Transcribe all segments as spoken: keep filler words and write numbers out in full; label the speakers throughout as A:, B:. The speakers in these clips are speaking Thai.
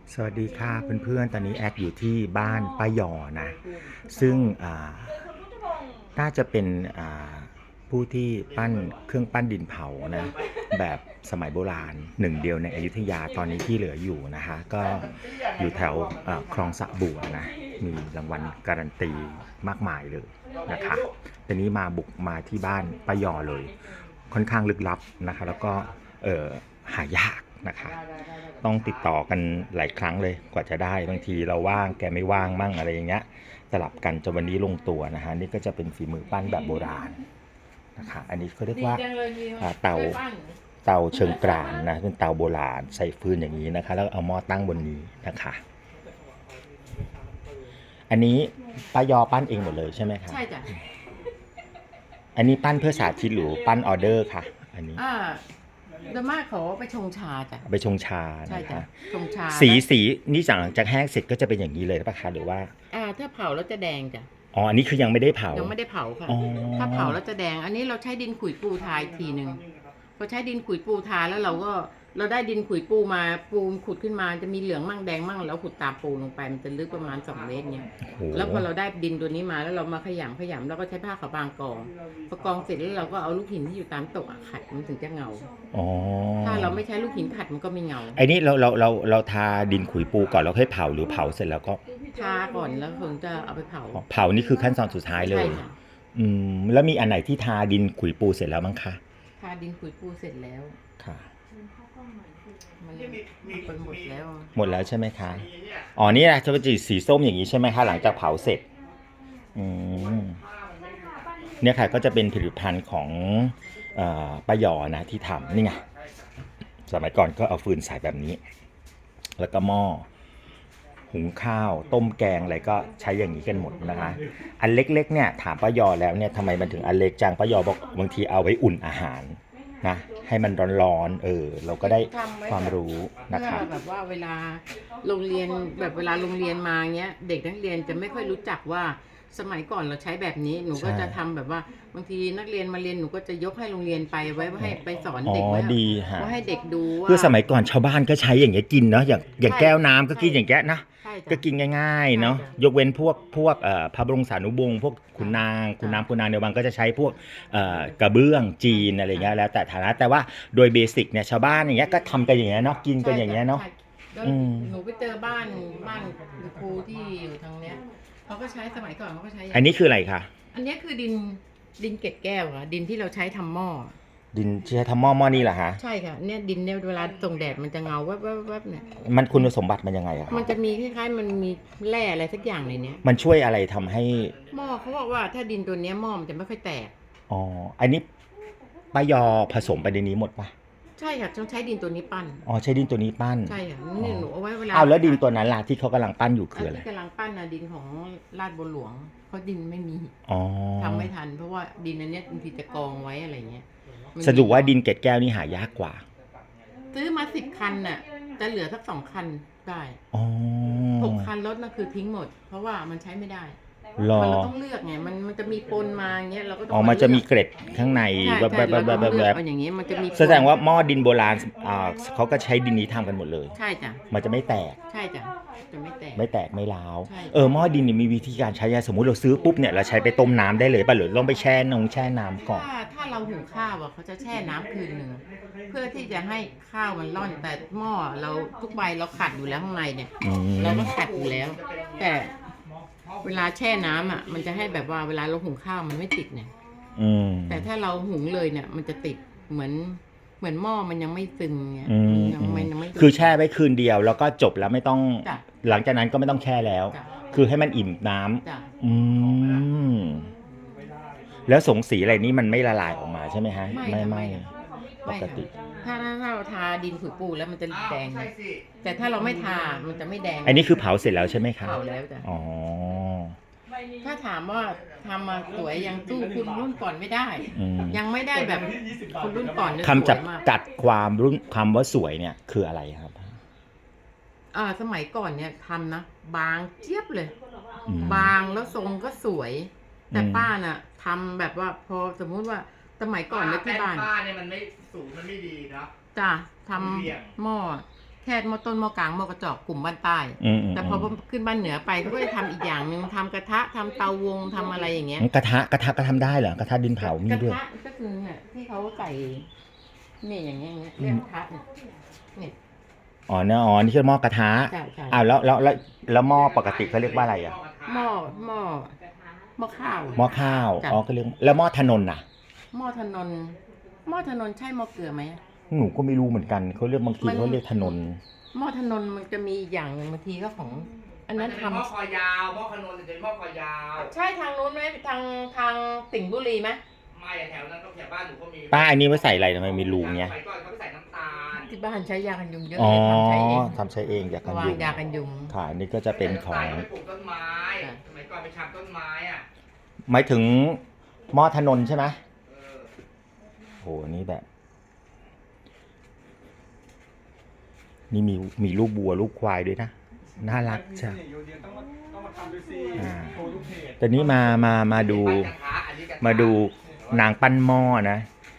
A: สวัสดีค่ะเพื่อนๆตอนนี้แอดอยู่ที่บ้านป้าหยอนะซึ่งน่าจะเป็นผู้ที่ปั้นเครื่องปั้นดินเผานะแบบสมัยโบราณหนึ่งเดียวในอยุธยาตอนนี้ที่เหลืออยู่นะคะก็อยู่แถวคลองสะบัวนะมีรางวัลการันตีมากมายเลยนะคะตอนนี้มาบุกมาที่บ้านป้าหยอเลยค่อนข้างลึกลับนะคะแล้วก็หายากนะคะต้องติดต่อกันหลายครั้งเลยกว่าจะได้บางทีเราว่างแกไม่ว่างมั่งอะไรอย่างเงี้ยสลับกันจนวันนี้ลงตัวนะฮะนี่ก็จะเป็นฝีมือปั้นแบบโบราณนะคะอันนี้เขาเรียกว่าเตาเตาเชิงกรานนะเป็นเตาโบราณใส่ฟืนอย่างนี้นะคะแล้วเอาหม้อตั้งบนนี้นะคะอันนี้ป้ายอปั้นเองหมดเลยใช่ไหมคะ
B: ใช่จ้ะ
A: อันนี้ปั้นเพื่อสาธิตหรือปั้นออเดอร์ค่ะอันนี้
B: อ่าโดยมากเขาไปชงชาจ้ะ
A: ไปชงชา
B: ใช่จ้ะชงชา
A: สีสีนี่หลังจากแห้งเสร็จก็จะเป็นอย่างนี้เลยป่ะคะหรือว่า
B: อ่าถ้าเผาแล้วจะแดงจ้ะ
A: อ๋ออันนี้คือยังไม่ได้เผา
B: ยังไม่ได้เผาค่ะถ้าเผาแล้วจะแดงอันนี้เราใช้ดินขุยปูทาอีกทีหนึ่งพอใช้ดินขุยปูทาแล้วเราก็เราได้ดินขุยปูมาปูขุดขึ้นมาจะมีเหลืองมั่งแดงมั่งแล้วขุดตามปูลงไปมันจะลึกประมาณสองเมตรเนี่ยแล้วพอเราได้ดินตัวนี้มาแล้วเรามาขยำขยำแล้วก็ใช้ผ้าขาวบางกองพอกองเสร็จแล้วเราก็เอาลูกหินที่อยู่ตามตกขัดมันถึงจะเงาถ้าเราไม่ใช้ลูกหินขัดมันก็ไม่เงา
A: ไอ้นี่เราเราเราเราทาดินขุยปูก่อนแล้วค่อยเผาหรือเผาเสร็จแล้วก็
B: ทาก่อนแล้วถึงจะเอาไปเผา
A: เผานี่คือขั้นตอนสุดท้ายเลยอืมแล้วมีอันไหนที่ทาดินขุยปูเสร็จแล้วมั้งคะ
B: ทาดินขุยปูเสร็จแล้ว
A: ค่ะ
B: มันเป็นหมดแล้ว
A: หมดแล้วใช่ไหมคะอ๋อนี่แหละจะเป็นสีส้มอย่างนี้ใช่ไหมคะหลังจากเผาเสร็จอืมเนี่ยค่ะก็จะเป็นผลิตภัณฑ์ของป้าหยอนะที่ทำนี่ไงสมัยก่อนก็เอาฟืนใส่แบบนี้แล้วก็หม้อหุงข้าวต้มแกงอะไรก็ใช้อย่างนี้กันหมดนะคะอันเล็กๆเนี่ยถามป้าหยอแล้วเนี่ยทำไมมันถึงอันเล็กจังป้าหยอบอกบางทีเอาไว้อุ่นอาหารนะให้มันร้อนๆเออเราก็ได้ความรู้นะครับ
B: แบบว่าเวลาโรงเรียนแบบเวลาโรงเรียนมาเงี้ยเด็กนักเรียนจะไม่ค่อยรู้จักว่าสมัยก่อนเราใช้แบบนี้หนูก็จะทำแบบว่าบางทีนักเรียนมาเรียนหนูก็จะยกให้โรงเรียนไปไว้ให้ไปสอนเด็กว่า
A: ดีฮะ
B: ว่าให้เด็กดูว่า
A: คือสมัยก่อนชาวบ้านก็ใช้อย่างเงี้ยกินเนาะอย่างอย่างแก้วน้ำก็กินอย่างเงี้ยนะก็กินง่ายๆเนาะยกเว้นพวกพวกพระบรมสารีวงศ์พวกขุนนางขุนนางขุนนางในวังก็จะใช้พวกกระเบื้องจีนอะไรเงี้ยแล้วแต่ฐานะแต่ว่าโดยเบสิกเนี่ยชาวบ้านอย่างเงี้ยก็ทำกันอย่างเงี้ยเนาะกินกันอย่างเงี้ยเนาะ
B: หนูไปเจอบ้านบ้านครูที่อยู่ทางเนี้ยเขาก็ใช้สมัยก่อนเขาก็ใช้
A: อันนี้คืออะไรคะ
B: อันนี้คือดินดินเกล็ดแก้วค่ะดินที่เราใช้ทำหม้อ
A: ดินใช้ทำหม้อหม้อนี่เหรอฮะ
B: ใช่ค่ะเนี่ยดินเนี่ยเวลาส่งแดดมันจะเงาแวบๆๆเนี่ย
A: มันคุณสมบัติมันยังไงอะ
B: มันจะมีคล้ายๆมันมีแร่อะไรสักอย่างในเนี้ย
A: มันช่วยอะไรทำให้
B: หม้อเขาบอกว่าถ้าดินตัวเนี้ยหม้อมันจะไม่ค่อยแตก
A: อ๋ออันนี้ป้ายอผสมไปในนี้หมดปะ
B: ใช่ค่ะต้องใช้ดินตัวนี้ปั้น
A: อ๋อใช้ดินตัวนี้ปั้น
B: ใช่ค่ะนี่หนูเอาไว้เวลา
A: อ้าวแล้วดินตัวนั้นล่ะที่เขากำลังปั้นอยู่คืออะไร
B: ที่กำลังปั้นนะดินของลาดบัวหลวงเพราะดินไม่มี
A: อ๋อ
B: ทำไม่ทันเพราะว่าดินอันเนี้ยบางทีจะกองไว้อะไรเงี้ย
A: สรุปว่าดินเกล็ดแก้วนี่หายากกว่า
B: ซื้อมาสิบคันน่ะจะเหลือสักสองคันได้หกคันรถน่ะคือทิ้งหมดเพราะว่ามันใช้ไม่ได้มันเราต้องเลือกไงมันมันจะมีปนมาอย่างเงี้ยเราก็ต้อง
A: อ๋อมันจะมีเกล็ดข้างในแบบแบบแบบแบบแบบ
B: อย่างเงี้ยมันจะมี
A: แสดงว่าหม้อดินโบราณอ่าเขาก็ใช้ดินนี้ทำกันหมดเลย
B: ใช่จ้ะ
A: มันจะไม่แตก
B: ใช่จ้ะจะไม่แตก
A: ไม่แตกไม่ร้าวเออหม้อดินนี่มีวิธีการใช้สมมุติเราซื้อปุ๊บเนี่ยเราใช้ไปต้มน้ำได้เลยป่ะหรือต้องไปแช่นงแช่น้ำก่อน
B: ถ้าถ้าเราหุงข้าวอ่ะเขาจะแช่น้ำคืนหนึ่งเพื่อที่จะให้ข้าวมันร่อนแต่หม้อเราทุกใบเราขัดอยู่แล้วข้างในเนี่ยเราก็ขัดอยู่แล้วแต่เวลาแช่น้ำอ่ะมันจะให้แบบว่าเวลาเราหุงข้าวมันไม่ติดเนี่ยแต่ถ้าเราหุงเลยเนี่ยมันจะติดเหมือนเหมือนหม้อมันยังไม่ซึมเนี่ย
A: ยังไม่ยังไม่คือแช่ไว้คืนเดียวแล้วก็จบแล้วไม่ต้องหลังจากนั้นก็ไม่ต้องแช่แล้วคือให้มันอิ่มน้ำอืมแล้วสงสีอะไรนี้มันไม่ละลายออกมาใช่ไหมฮะไม่ไม่ปกติ
B: ถ้าถ้าเราทาดินขุยปูแล้วมันจะแดงแต่ถ้าเราไม่ทามันจะไม่แดง
A: อันนี้คือเผาเสร็จแล้วใช่ไหมคะ
B: เผาแล้วจ้ะ
A: อ๋อ
B: ถ้าถามว่าทำมาสวยยังสู้คุณรุ่นก่อนไม่ได้ยังไม่ได้แบบคุณรุ่นก่อน
A: คำจับกัดความรุ่นคำว่าสวยเนี่ยคืออะไรครับ
B: อ่าสมัยก่อนเนี่ยทำนะบางเจี๊ยบเลยบางแล้วทรงก็สวยแต่ป้าน่ะทำแบบว่าพอสมมุติว่าสมัยก่อนเนี่ยที่บ้าน
C: ป้าเนี่ยมันไม่สูงมันไม่ดีนะ
B: จ้ะทำหม้อแค่หม้อต้นหม้อกลางหม้อกระจอกกลุ่มบ้านใต้
A: อืมอืม
B: แต่พอขึ้นบ้านเหนือไปเขาก็จะทำอีกอย่างหนึ่งทำกระทะทำเตาวงทำอะไรอย่างเงี้ย
A: กระทะกระทะก็ทำได้เหรอกระทะดินเผามีด้วย
B: กระทะก็คือเนี่ยที่เขาใส่นี่อย่างเงี้ยอย่างเงี้ยเรียกกระทะเนี่ยเนี่ย
A: อ๋อเนอะอ๋อนี่คือหม้อกระทะ
B: ใช่ใช่
A: อ้าวแล้วแล้วแล้วแล้วหม้อปกติเขาเรียกว่าอะไรอ่ะ
B: หม้อหม้อหม้อข้าว
A: หม้อข้าว
B: จ้ะ
A: อ๋อก็เรียกแล้วหม้อถนนน่ะ
B: หม้อถนนหม้อถนนใช่หม้อเกลือไหม
A: หนูก็ไม่รู้เหมือนกันเขาเรียกบางที
B: มัน
A: เขาเรียกถนน
B: หม้อถนนมันจะมีอีกอย่างหนึ่งบางทีก็ของ อันนั้น
C: เป็น
B: ทำ
C: หม้อคอยาวหม้อขนนจะเป็นหม้อคอยาว
B: ใช่ทางนู้นไหมทางทางสิงห์บุรีไหม
C: ไม่อะแถวนั้นก็แถวบ้านหนูก็มี
A: ป้าอันนี้ไว้ใส่อะไรทำไมมีรูเงี้ย
C: สมัยก่อนเขาไปใส่น้ำตาล
B: ที่บ้านใช้ยากันยุงเยอะ
A: อ๋อ
B: เลยทำใช้เอง
A: ทำใช้เองอยากกัน
B: วาง
A: ยุง
B: ยากันยุง
A: ค่ะอันนี้ก็จะเป็นของ
C: ใส่น้ำตาลไปปลูกต้นไม้
B: ค่ะ
C: สมัยก่อนไปชำต้นไม้อ่ะ
A: หมายถึงหม้อถนนใช่ไหม
C: เออ
A: โหนี่แบบ นี่มีมีลูกบัวลูกควายด้วยนะน่ารักจ้ะ
D: อยู่เดียวต้องมาต้องมาทำด้วยสิ
A: อ่า
D: โชว์ลูกเพจ
A: แต่นี้มามามาดู
C: ปั้นกระทะอันนี้กระทะ
A: มาดูนางปั้นหม้อนะ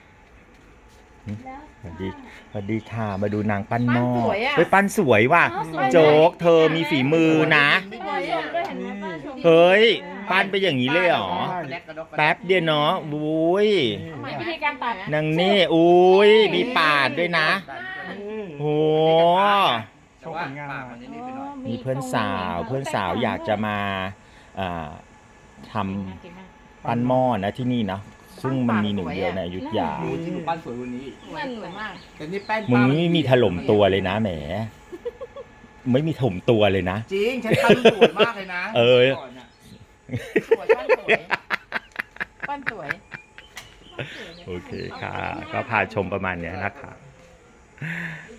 A: สวัสดีสวัสดีค่ะมาดูนางปั้นหม้อ
B: ปั้นสวยอะ
A: เฮ้ยปั้นสวยว่ะ
E: อ๋อสวยนะ
A: โจ๊กเธอมีฝีมือนะ
E: สวยอ่ะก็เห็นว่าป้าชม
A: เฮ้ยปั้นไปอย่างนี้เลยเหรอ
C: แลกกระดกกระดก
A: แป๊บเดียวเนาะอุ้ย
E: มีวิธีการตัด
A: นางนี่อุ้ยมีปาดด้วยนะโอ้
C: แต่ว่าปากมันจะนี่ไปหน่อย
A: มีเพื่อนสาวเพื่อนสาวอยากจะมาอ่าทำปั้นหม้อนะที่นี่นะซึ่งมันมีหนึ่งเดียวในอยุธยา
C: หนูที่หนูปั้นสวยกวันนี้
E: นั่นเหมือนมาก
C: แต่นี่แป้น
A: มึง
C: ป้า
A: ไม่มีถล่มตัวเลยนะแหม ไม่มีถล่มตัวเลยนะ
C: จริงฉันปั้นสวยมากเลยนะ
A: เออ
C: ก่นน่ะ
B: สวยปั้นสวยปั้นสวย
A: โอเคค่ะ ก็พาชมประมาณเนี้ยนะคะ